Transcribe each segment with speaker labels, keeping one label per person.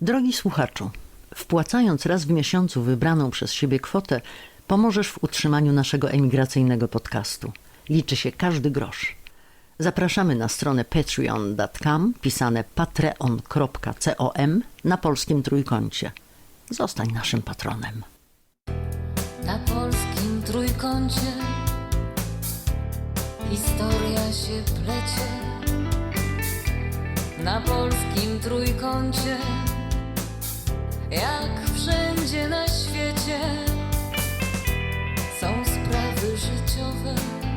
Speaker 1: Drogi słuchaczu, wpłacając raz w miesiącu wybraną przez siebie kwotę, pomożesz w utrzymaniu naszego emigracyjnego podcastu. Liczy się każdy grosz. Zapraszamy na stronę patreon.com, pisane patreon.com na polskim trójkącie. Zostań naszym patronem.
Speaker 2: Na polskim trójkącie historia się plecie. Na polskim trójkącie, jak wszędzie na świecie, są sprawy życiowe,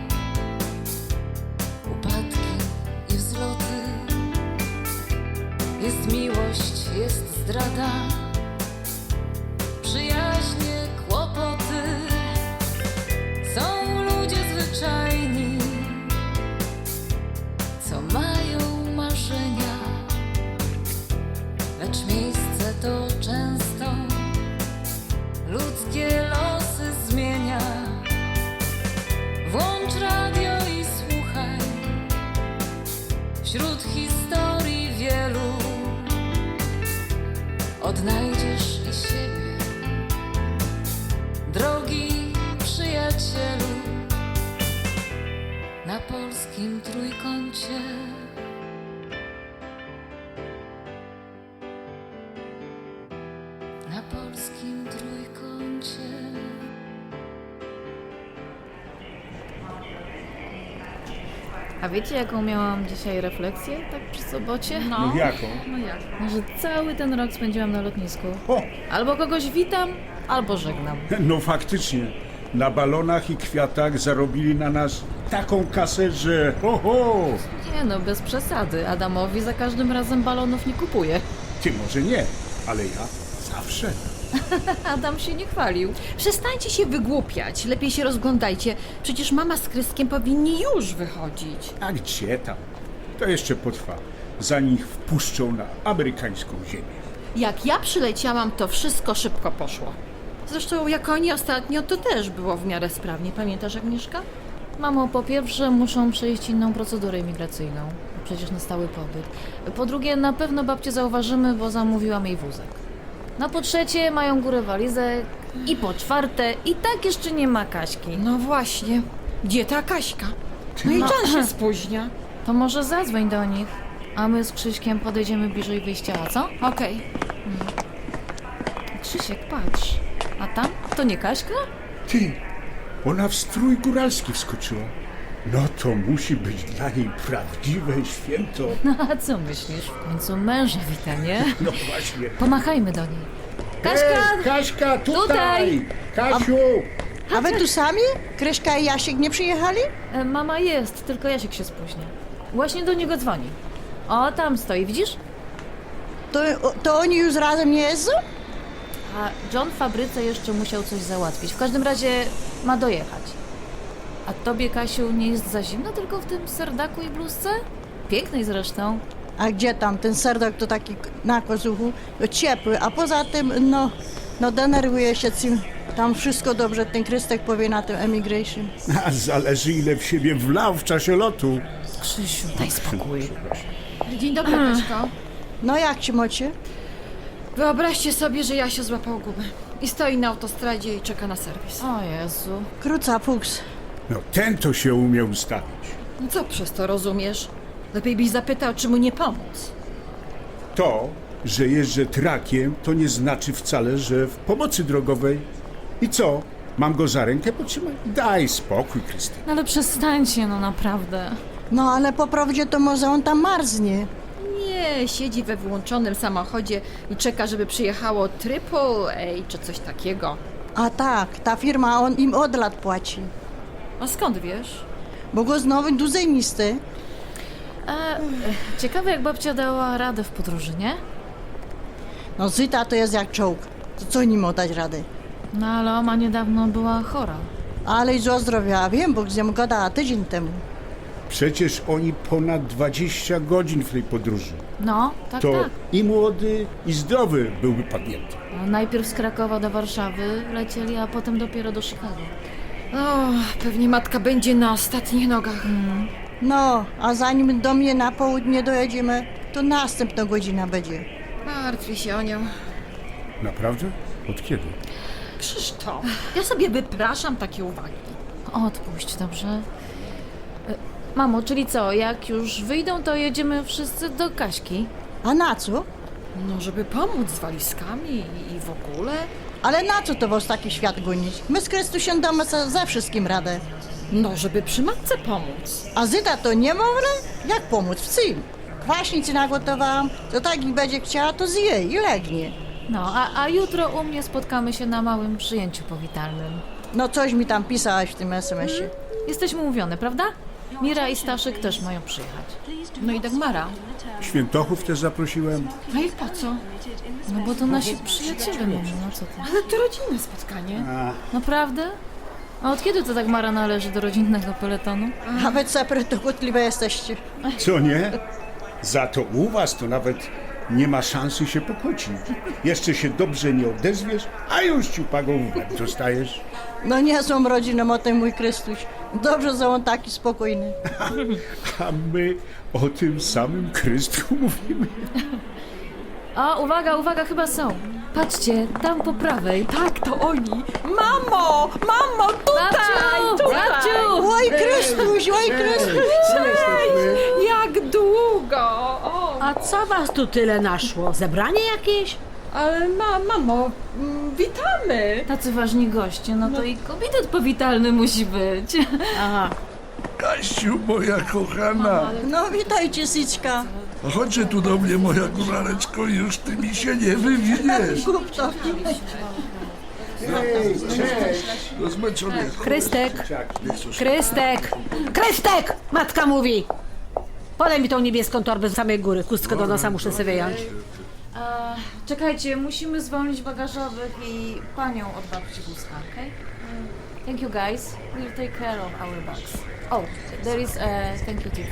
Speaker 2: upadki i wzloty. Jest miłość, jest zdrada, przyjaźnie, kłopoty. Są ludzie zwyczajni, co mają marzenia, lecz miejsce to często ludzkie losy zmienia. Włącz radio i słuchaj, wśród historii wielu odnajdziesz i siebie, drogi przyjacielu. Na polskim trójkącie. Na polskim trójkącie.
Speaker 3: A wiecie, jaką miałam dzisiaj refleksję, tak przy sobocie?
Speaker 4: No jaką?
Speaker 3: Że cały ten rok spędziłam na lotnisku.
Speaker 4: O,
Speaker 3: Albo kogoś witam, albo żegnam.
Speaker 4: no faktycznie. Na balonach i kwiatach zarobili na nas taką kasę, że ho.
Speaker 3: Nie no, bez przesady. Adamowi za każdym razem balonów nie kupuję.
Speaker 4: Ty może nie, ale ja zawsze.
Speaker 3: Adam się nie chwalił.
Speaker 5: Przestańcie się wygłupiać, lepiej się rozglądajcie. Przecież mama z Kryskiem powinni już wychodzić.
Speaker 4: A gdzie tam? To jeszcze potrwa, zanim ich wpuszczą na amerykańską ziemię.
Speaker 5: Jak ja przyleciałam, to wszystko szybko poszło. Zresztą jak oni ostatnio, to też było w miarę sprawnie. Pamiętasz, Agnieszka?
Speaker 3: Mamo, po pierwsze muszą przejść inną procedurę imigracyjną. Przecież na stały pobyt. Po drugie, na pewno babcię zauważymy, bo zamówiłam jej wózek. No po trzecie, mają górę walizek. I po czwarte, i tak jeszcze nie ma Kaśki.
Speaker 5: No właśnie. Gdzie ta Kaśka? No i Jan się spóźnia.
Speaker 3: To może zadzwoń do nich, a my z Krzyśkiem podejdziemy bliżej wyjścia, a co?
Speaker 5: Okej.
Speaker 3: Krzysiek, patrz. A tam? To nie Kaśka?
Speaker 4: Ty, ona w strój góralski wskoczyła. No to musi być dla niej prawdziwe święto.
Speaker 3: No a co myślisz? W końcu męża wita, nie?
Speaker 4: No właśnie.
Speaker 3: Pomachajmy do niej. Kaśka!
Speaker 4: Ej, Kaśka, tutaj!
Speaker 3: Tutaj!
Speaker 4: Kasiu!
Speaker 6: A wy tu sami? Kryśka i Jasiek nie przyjechali?
Speaker 3: Mama jest, tylko Jasiek się spóźnia. Właśnie do niego dzwoni. O, tam stoi, widzisz?
Speaker 6: To oni już razem nie jeżdżą?
Speaker 3: A John w fabryce jeszcze musiał coś załatwić. W każdym razie ma dojechać. A tobie, Kasiu, nie jest za zimno tylko w tym serdaku i bluzce? Pięknej zresztą.
Speaker 6: A gdzie tam? Ten serdok to taki na kozuchu, to ciepły, a poza tym, no denerwuje się tym. Tam wszystko dobrze ten Krystek powie na tym emigration.
Speaker 4: A zależy ile w siebie wlał w czasie lotu.
Speaker 3: Krzysiu, daj spokój.
Speaker 5: Dzień dobry, Kaśko.
Speaker 6: No jak ci mocie?
Speaker 5: Wyobraźcie sobie, że Jasio złapał gumę i stoi na autostradzie i czeka na serwis.
Speaker 3: O Jezu.
Speaker 6: Króca fuks.
Speaker 4: No ten to się umiał ustawić.
Speaker 5: No co przez to rozumiesz? Lepiej byś zapytał, czy mu nie pomóc.
Speaker 4: To, że jeżdżę trakiem, to nie znaczy wcale, że w pomocy drogowej. I co? Mam go za rękę potrzymać? Daj spokój, Krystyna.
Speaker 3: No ale przestańcie, no naprawdę.
Speaker 6: No ale po prawdzie to może on tam marznie.
Speaker 5: Nie, siedzi we włączonym samochodzie i czeka, żeby przyjechało AAA czy coś takiego.
Speaker 6: A tak, ta firma, on im od lat płaci.
Speaker 5: A skąd wiesz?
Speaker 6: Bo go znowu du zajmisty.
Speaker 3: Ciekawe, jak babcia dała radę w podróży, nie?
Speaker 6: No Zyta to jest jak czołg. To co nim dać radę?
Speaker 3: No ale oma niedawno była chora.
Speaker 6: Ale i zdrowia, wiem, bo z nią gadała tydzień temu.
Speaker 4: Przecież oni ponad 20 godzin w tej podróży.
Speaker 3: No, tak,
Speaker 4: To
Speaker 3: tak.
Speaker 4: i młody, i zdrowy byłby padnięty.
Speaker 3: No, najpierw z Krakowa do Warszawy lecieli, a potem dopiero do Chicago.
Speaker 5: O, pewnie matka będzie na ostatnich nogach.
Speaker 6: No, a zanim do mnie na południe dojedziemy, to następna godzina będzie.
Speaker 5: Martwię się o nią.
Speaker 4: Naprawdę? Od kiedy?
Speaker 5: Krzysztof, ja sobie wypraszam takie uwagi.
Speaker 3: Odpuść, dobrze? Mamo, czyli co, jak już wyjdą, to jedziemy wszyscy do Kaśki?
Speaker 6: A na co?
Speaker 5: No, żeby pomóc z walizkami i w ogóle.
Speaker 6: Ale na co to was taki świat gonić? My z Chrystusiem damy ze wszystkim radę.
Speaker 5: No, żeby przy matce pomóc.
Speaker 6: A Zyta to nie może? Jak pomóc? W czym? Kwaśnicy nagotowałam, to tak i będzie chciała, to zje i legnie.
Speaker 3: No, a jutro u mnie spotkamy się na małym przyjęciu powitalnym.
Speaker 6: No coś mi tam pisałaś w tym SMS-ie.
Speaker 3: Jesteśmy umówione, prawda? Mira i Staszek też mają przyjechać.
Speaker 5: No i Dagmara.
Speaker 4: Świętochów też zaprosiłem.
Speaker 5: No i po co?
Speaker 3: No bo to nasi przyjaciele, mamo, no co ty?
Speaker 5: Ale to rodzinne spotkanie.
Speaker 3: Naprawdę? A od kiedy to Dagmara należy do rodzinnego peletonu?
Speaker 6: A wy cepry to kłótliwe jesteście.
Speaker 4: Co nie? Za to u was to nawet nie ma szansy się pokłócić. Jeszcze się dobrze nie odezwiesz, a już ciupagą w łeb dostajesz.
Speaker 6: No nie są rodziną o tym mój Chrystuś. Dobrze, że on taki spokojny.
Speaker 4: A my o tym samym Chrystku mówimy.
Speaker 3: A, uwaga, uwaga, chyba są. Patrzcie, tam po prawej.
Speaker 5: Tak, to oni. Mamo! Mamo,
Speaker 3: Babciu! Babciu!
Speaker 6: Oj Chrystuś, oj Chrystuś!
Speaker 5: Jak długo! O,
Speaker 7: A co was tu tyle naszło? Zebranie jakieś?
Speaker 5: ale mamo, witamy!
Speaker 3: Tacy ważni goście, no to i komitet powitalny musi być.
Speaker 7: Aha.
Speaker 8: Kasiu, moja kochana,
Speaker 6: No witajcie, Sićka.
Speaker 8: chodźcie tu do mnie, moja góraleczko, już ty mi się nie wywiniesz.
Speaker 6: Kup to.
Speaker 8: No zmęczony.
Speaker 7: Krystek! Krystek! Krystek! Matka mówi! Podaj mi tą niebieską torbę z samej góry. Chustkę do nosa muszę sobie wyjąć.
Speaker 3: Czekajcie, musimy zwolnić bagażowych i panią od babci wózka, okej? Thank you guys. We'll take care of our bags. Oh, there is a thank you tip.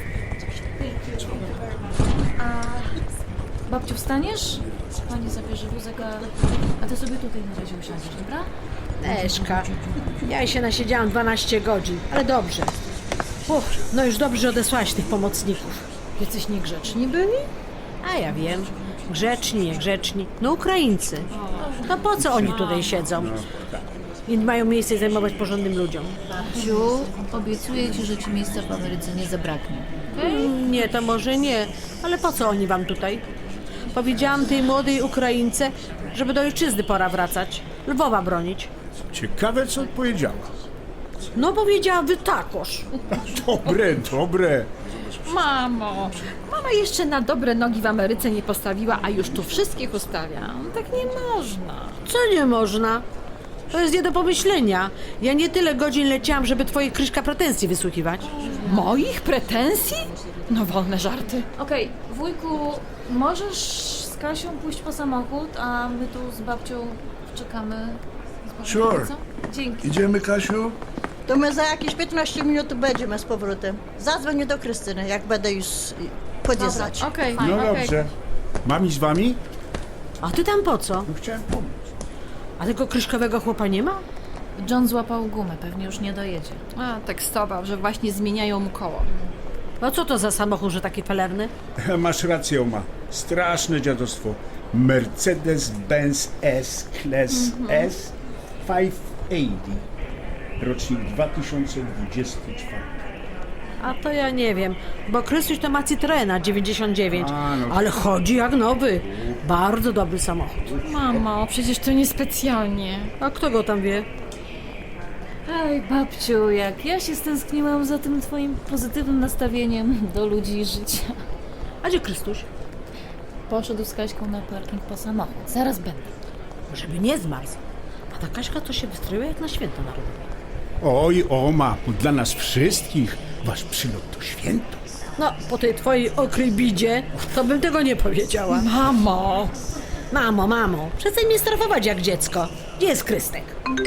Speaker 3: Babciu, wstaniesz? Pani zabierze wózek, a ty sobie tutaj na razie usiądziesz, dobra?
Speaker 7: Eszka, ja się nasiedziałam 12 godzin, ale dobrze. No już dobrze, że odesłałaś tych pomocników.
Speaker 5: Jacyś niegrzeczni byli?
Speaker 7: A ja wiem. Grzeczni, niegrzeczni. No Ukraińcy. To po co oni tutaj siedzą? I mają miejsce zajmować porządnym ludziom.
Speaker 3: Babciu, obiecuję ci, że ci miejsca w Ameryce nie zabraknie.
Speaker 7: Nie, to może nie. Ale po co oni wam tutaj? Powiedziałam tej młodej Ukraińce, żeby do ojczyzny pora wracać. Lwowa bronić.
Speaker 4: Ciekawe, co odpowiedziała.
Speaker 7: No powiedziała, wy takoż.
Speaker 4: Dobre, dobre.
Speaker 5: Mamo, mama jeszcze na dobre nogi w Ameryce nie postawiła, a już tu wszystkich ustawia. Tak nie można.
Speaker 7: Co nie można? To jest nie do pomyślenia. Ja nie tyle godzin leciałam, żeby twoje Kryśka pretensji wysłuchiwać.
Speaker 5: Moich pretensji? No wolne żarty.
Speaker 3: Okej, wujku, możesz z Kasią pójść po samochód, a my tu z babcią czekamy. Z babcią,
Speaker 8: Sure.
Speaker 3: co? Dzięki.
Speaker 8: Idziemy, Kasiu?
Speaker 6: To my za jakieś 15 minut będziemy z powrotem. Zadzwonię do Krystyny, jak będę już podjeżdżać.
Speaker 5: Okej,
Speaker 4: No dobrze. Mam iść z wami?
Speaker 7: A ty tam po co?
Speaker 4: No chciałem pomóc.
Speaker 7: A tego kryszkowego chłopa nie ma?
Speaker 3: John złapał gumę, pewnie już nie dojedzie.
Speaker 5: A, tekstował, że właśnie zmieniają mu koło.
Speaker 7: No co to za samochód, że taki felerny?
Speaker 4: Masz rację, Oma. Straszne dziadostwo. Mercedes-Benz S-Class S 580. Rocznik 2024.
Speaker 7: A to ja nie wiem, bo Krystuś to ma Citroena 99,
Speaker 4: A, no.
Speaker 7: ale chodzi jak nowy. Bardzo dobry samochód.
Speaker 5: Mamo, przecież to niespecjalnie.
Speaker 7: A kto go tam wie?
Speaker 3: Ej, babciu, jak ja się stęskniłam za tym twoim pozytywnym nastawieniem do ludzi i życia.
Speaker 7: A gdzie Krystuś?
Speaker 3: Poszedł z Kaśką na parking po samochód. Zaraz będę.
Speaker 7: Żeby nie zmarzł. A ta Kaśka to się wystroiła jak na święto narodowe.
Speaker 4: Oj, Oma, dla nas wszystkich wasz przylot to święto.
Speaker 7: No, po tej twojej okrej bidzie, to bym tego nie powiedziała.
Speaker 5: Mamo!
Speaker 7: Mamo, przestań mnie strefować jak dziecko. Gdzie jest Krystek?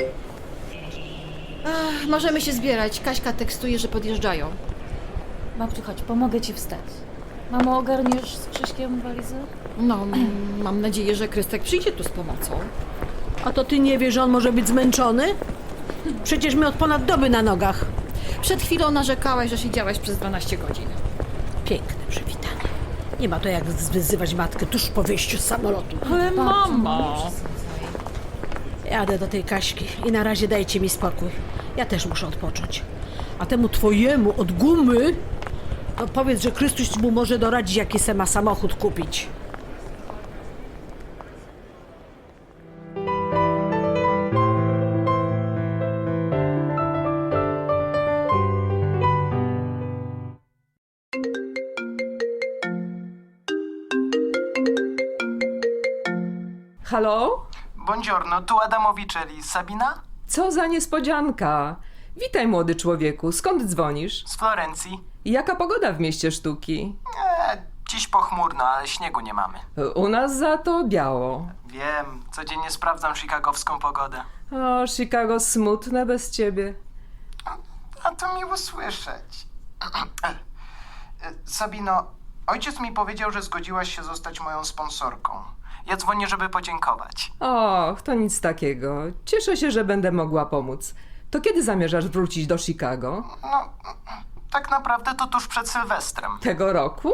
Speaker 5: Ach, możemy się zbierać. Kaśka tekstuje, że podjeżdżają.
Speaker 3: Babciu, chodź, pomogę ci wstać. Mamo, ogarniesz z Krzyśkiem walizę?
Speaker 5: No, mam nadzieję, że Krystek przyjdzie tu z pomocą.
Speaker 7: A to ty nie wiesz, że on może być zmęczony? Przecież my od ponad doby na nogach.
Speaker 5: Przed chwilą narzekałaś, że siedziałaś przez 12 godzin.
Speaker 7: Piękne przywitanie. Nie ma to jak wyzywać matkę tuż po wyjściu z samolotu.
Speaker 5: Ale mamo!
Speaker 7: Jadę do tej Kaśki i na razie dajcie mi spokój. Ja też muszę odpocząć. A temu twojemu od gumy, no powiedz, że Chrystus mu może doradzić, jaki se ma samochód kupić.
Speaker 9: Halo?
Speaker 10: Buongiorno, tu Adamowicelli. Sabina?
Speaker 9: Co za niespodzianka. Witaj, młody człowieku. Skąd dzwonisz?
Speaker 10: Z Florencji.
Speaker 9: Jaka pogoda w mieście sztuki?
Speaker 10: Dziś pochmurno, ale śniegu nie mamy.
Speaker 9: U nas za to biało.
Speaker 10: Wiem, codziennie sprawdzam chicagowską pogodę.
Speaker 9: O, Chicago smutne bez ciebie.
Speaker 10: A to miło słyszeć. Sabino, ojciec mi powiedział, że zgodziłaś się zostać moją sponsorką. Ja dzwonię, żeby podziękować.
Speaker 9: Och, to nic takiego. Cieszę się, że będę mogła pomóc. To kiedy zamierzasz wrócić do Chicago?
Speaker 10: No, tak naprawdę to tuż przed Sylwestrem.
Speaker 9: Tego roku?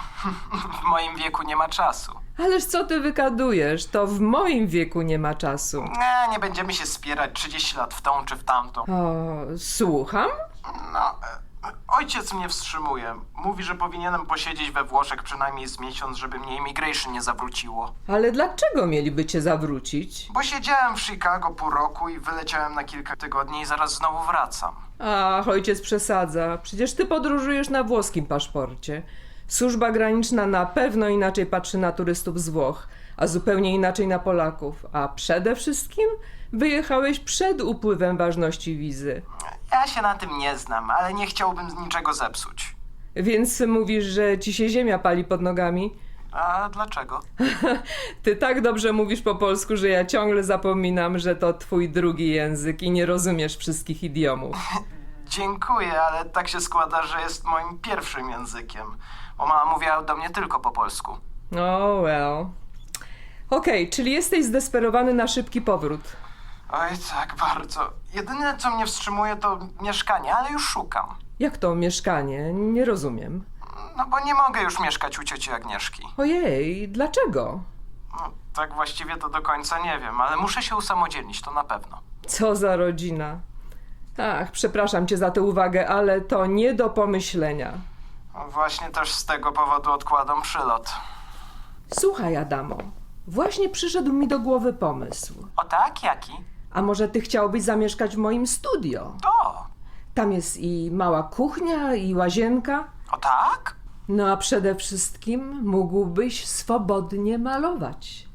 Speaker 10: W moim wieku nie ma czasu.
Speaker 9: Ależ co ty wykadujesz? To w moim wieku nie ma czasu.
Speaker 10: Nie będziemy się spierać 30 lat w tą czy w tamtą.
Speaker 9: O, słucham?
Speaker 10: No, ojciec mnie wstrzymuje. Mówi, że powinienem posiedzieć we Włoszech przynajmniej z miesiąc, żeby mnie immigration nie zawróciło.
Speaker 9: Ale dlaczego mieliby cię zawrócić?
Speaker 10: Bo siedziałem w Chicago pół roku i wyleciałem na kilka tygodni i zaraz znowu wracam.
Speaker 9: Ach, ojciec przesadza. Przecież ty podróżujesz na włoskim paszporcie. Służba graniczna na pewno inaczej patrzy na turystów z Włoch, a zupełnie inaczej na Polaków. A przede wszystkim wyjechałeś przed upływem ważności wizy.
Speaker 10: Ja się na tym nie znam, ale nie chciałbym niczego zepsuć.
Speaker 9: Więc mówisz, że ci się ziemia pali pod nogami?
Speaker 10: A dlaczego?
Speaker 9: Ty tak dobrze mówisz po polsku, że ja ciągle zapominam, że to twój drugi język i nie rozumiesz wszystkich idiomów.
Speaker 10: Dziękuję, ale tak się składa, że jest moim pierwszym językiem. Bo mama mówiła do mnie tylko po polsku.
Speaker 9: Oh well. Okej, czyli jesteś zdesperowany na szybki powrót.
Speaker 10: Oj, tak bardzo. Jedyne, co mnie wstrzymuje, to mieszkanie, ale już szukam.
Speaker 9: Jak to mieszkanie? Nie rozumiem.
Speaker 10: No bo nie mogę już mieszkać u cioci Agnieszki.
Speaker 9: Ojej, dlaczego?
Speaker 10: No, tak właściwie to do końca nie wiem, ale muszę się usamodzielnić, to na pewno.
Speaker 9: Co za rodzina. Ach, przepraszam cię za tę uwagę, ale to nie do pomyślenia.
Speaker 10: No, właśnie też z tego powodu odkładam przylot.
Speaker 9: Słuchaj, Adamo, właśnie przyszedł mi do głowy pomysł.
Speaker 10: O tak? Jaki?
Speaker 9: A może ty chciałbyś zamieszkać w moim studio?
Speaker 10: To.
Speaker 9: Tam jest i mała kuchnia, i łazienka.
Speaker 10: O tak?
Speaker 9: No a przede wszystkim mógłbyś swobodnie malować.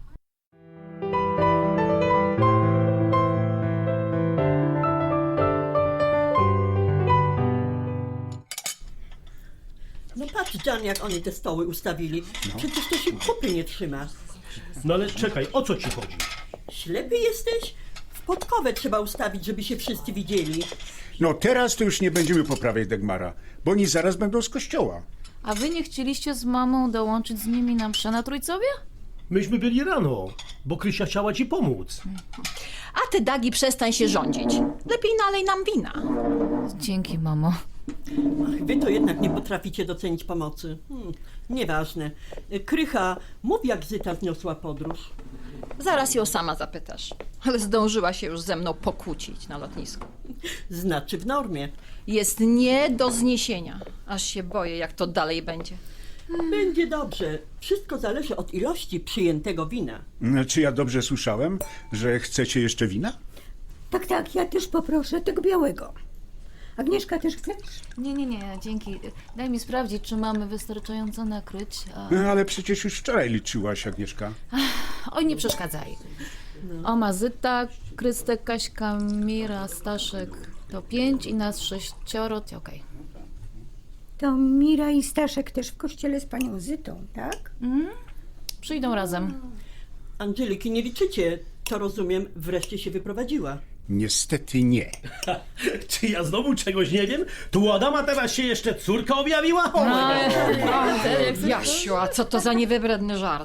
Speaker 11: No patrz, Jan, jak oni te stoły ustawili. Przecież to się kupy nie trzyma.
Speaker 12: No ale czekaj, o co ci chodzi?
Speaker 11: Ślepy jesteś? W podkowę trzeba ustawić, żeby się wszyscy widzieli.
Speaker 4: No teraz to już nie będziemy poprawiać Dagmara, bo oni zaraz będą z kościoła.
Speaker 3: A wy nie chcieliście z mamą dołączyć z nimi na mszę na Trójcowie?
Speaker 12: Myśmy byli rano, bo Krysia chciała ci pomóc.
Speaker 5: A ty, Dagi, przestań się rządzić. Lepiej nalej nam wina.
Speaker 3: Dzięki, mamo.
Speaker 11: Ach, wy to jednak nie potraficie docenić pomocy. Nieważne. Krycha, mów, jak Zyta zniosła podróż.
Speaker 5: Zaraz ją sama zapytasz. Ale zdążyła się już ze mną pokłócić na lotnisku.
Speaker 11: Znaczy w normie.
Speaker 5: Jest nie do zniesienia. Aż się boję, jak to dalej będzie.
Speaker 11: Będzie dobrze. Wszystko zależy od ilości przyjętego wina.
Speaker 4: Czy ja dobrze słyszałem, że chcecie jeszcze wina?
Speaker 13: Tak, ja też poproszę tego białego. Agnieszka, też chcesz?
Speaker 3: Nie, dzięki. Daj mi sprawdzić, czy mamy wystarczająco nakryć.
Speaker 4: Ale przecież już wczoraj liczyłaś, Agnieszka.
Speaker 3: Oj, nie przeszkadzaj. Oma, Zyta, Krystek, Kaśka, Mira, Staszek to 5 i nas 6. Okej.
Speaker 13: To Mira i Staszek też w kościele z panią Zytą, tak?
Speaker 3: Przyjdą razem.
Speaker 11: Angeliki nie liczycie. To rozumiem, wreszcie się wyprowadziła.
Speaker 4: Niestety nie.
Speaker 12: Czy ja znowu czegoś nie wiem? Tu u Adama teraz się jeszcze córka objawiła? O,
Speaker 5: Jasiu, a co to za niewybredny żart?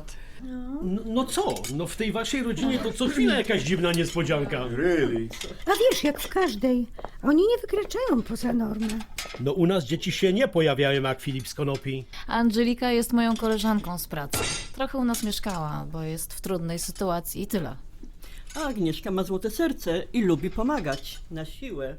Speaker 12: No co? No w tej waszej rodzinie to co chwila jakaś dziwna niespodzianka.
Speaker 4: Really?
Speaker 13: A wiesz, jak w każdej. Oni nie wykraczają poza normę.
Speaker 12: No u nas dzieci się nie pojawiają jak Filip z Konopi.
Speaker 3: Angelika jest moją koleżanką z pracy. Trochę u nas mieszkała, bo jest w trudnej sytuacji i tyle.
Speaker 11: A Agnieszka ma złote serce i lubi pomagać. Na siłę.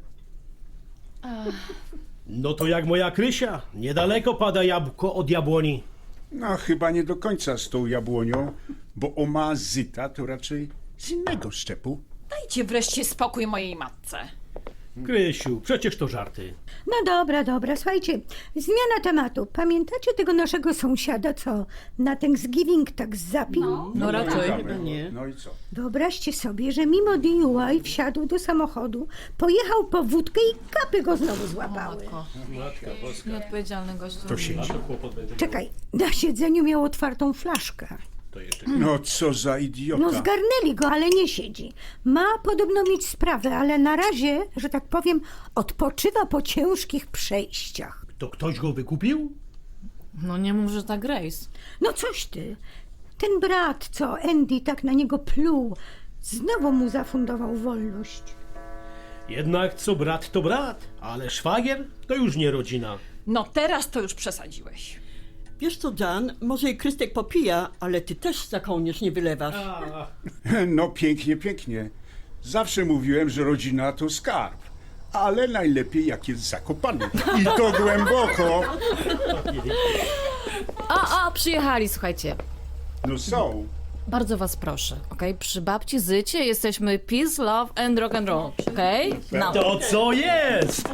Speaker 12: No to jak moja Krysia. Niedaleko pada jabłko od jabłoni.
Speaker 4: No chyba nie do końca z tą jabłonią, bo oma Zyta to raczej z innego szczepu.
Speaker 5: Dajcie wreszcie spokój mojej matce.
Speaker 12: Krysiu, przecież to żarty.
Speaker 13: No dobra, słuchajcie, zmiana tematu. Pamiętacie tego naszego sąsiada, co na Thanksgiving tak zapił?
Speaker 11: No raczej.
Speaker 4: Dobra,
Speaker 11: Nie.
Speaker 4: no i co?
Speaker 13: Wyobraźcie sobie, że mimo DUI wsiadł do samochodu, pojechał po wódkę i kapy go znowu złapały.
Speaker 3: Nieodpowiedzialny gość.
Speaker 4: To siedzi.
Speaker 13: Czekaj, na siedzeniu miał otwartą flaszkę.
Speaker 4: No co za idiota.
Speaker 13: No zgarnęli go, ale nie siedzi. Ma podobno mieć sprawę, ale na razie, że tak powiem, odpoczywa po ciężkich przejściach.
Speaker 12: To ktoś go wykupił?
Speaker 3: No nie mów, że ta Grace.
Speaker 13: No coś ty. Ten brat, co Andy tak na niego pluł, znowu mu zafundował wolność.
Speaker 12: Jednak co brat to brat, ale szwagier to już nie rodzina.
Speaker 5: No teraz to już przesadziłeś.
Speaker 11: Wiesz co, Jan, może i Krystek popija, ale ty też za kołnierz nie wylewasz.
Speaker 4: No pięknie, pięknie. Zawsze mówiłem, że rodzina to skarb. Ale najlepiej jak jest zakopany. I to głęboko.
Speaker 3: Przyjechali, słuchajcie.
Speaker 4: No są.
Speaker 3: Bardzo was proszę, okej? Przy babci Zycie jesteśmy peace, love and rock and roll, okej? No.
Speaker 12: To co jest?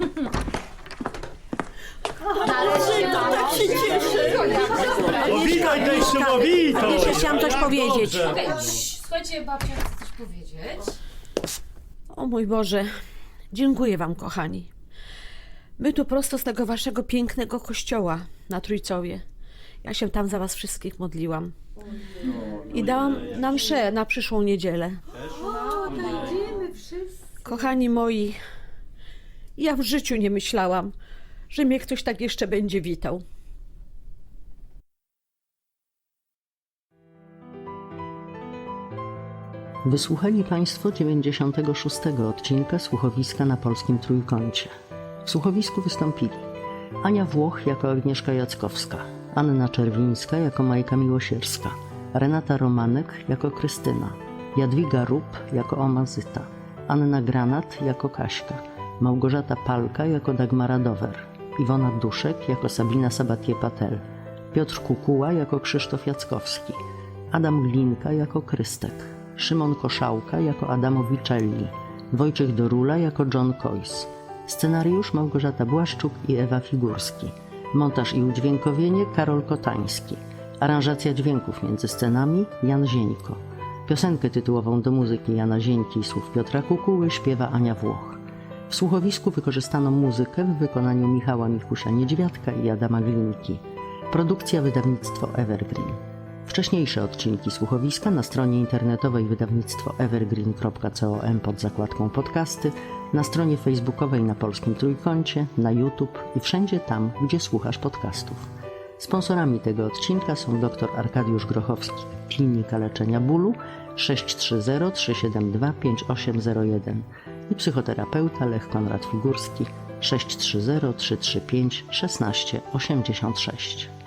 Speaker 11: Tak się cieszę.
Speaker 12: O, witaj teściowo, witaj!
Speaker 7: Jeszcze chciałam coś
Speaker 12: Jak
Speaker 7: powiedzieć.
Speaker 12: dobrze.
Speaker 3: Słuchajcie, babcia chce coś powiedzieć.
Speaker 7: O mój Boże, dziękuję wam, kochani. My tu prosto z tego waszego pięknego kościoła na Trójcowie. Ja się tam za was wszystkich modliłam. I dałam na mszę na przyszłą niedzielę. Kochani moi, ja w życiu nie myślałam, że mnie ktoś tak jeszcze będzie witał.
Speaker 1: Wysłuchali Państwo 96. odcinka Słuchowiska na Polskim Trójkącie. W słuchowisku wystąpili Ania Włoch jako Agnieszka Jackowska, Anna Czerwińska jako Majka Miłosierska, Renata Romanek jako Krystyna, Jadwiga Rup jako Oma Zyta, Anna Granat jako Kaśka, Małgorzata Palka jako Dagmara Dower, Iwona Duszek jako Sabina Sabatier-Patel, Piotr Kukuła jako Krzysztof Jackowski, Adam Glinka jako Krystek, Szymon Koszałka jako Adamo Vicelli, Wojciech Dorula jako John Coyce, scenariusz Małgorzata Błaszczuk i Ewa Figurski, montaż i udźwiękowienie Karol Kotański, aranżacja dźwięków między scenami Jan Zieńko, piosenkę tytułową do muzyki Jana Zieńki i słów Piotra Kukuły śpiewa Ania Włoch. W słuchowisku wykorzystano muzykę w wykonaniu Michała Michusia-Niedźwiadka i Adama Glinki. Produkcja wydawnictwo Evergreen. Wcześniejsze odcinki słuchowiska na stronie internetowej wydawnictwo evergreen.com pod zakładką podcasty, na stronie facebookowej na Polskim Trójkącie, na YouTube i wszędzie tam, gdzie słuchasz podcastów. Sponsorami tego odcinka są dr Arkadiusz Grochowski, Klinika Leczenia Bólu 630 372 5801 i psychoterapeuta Lech Konrad Figurski 630 335 1686.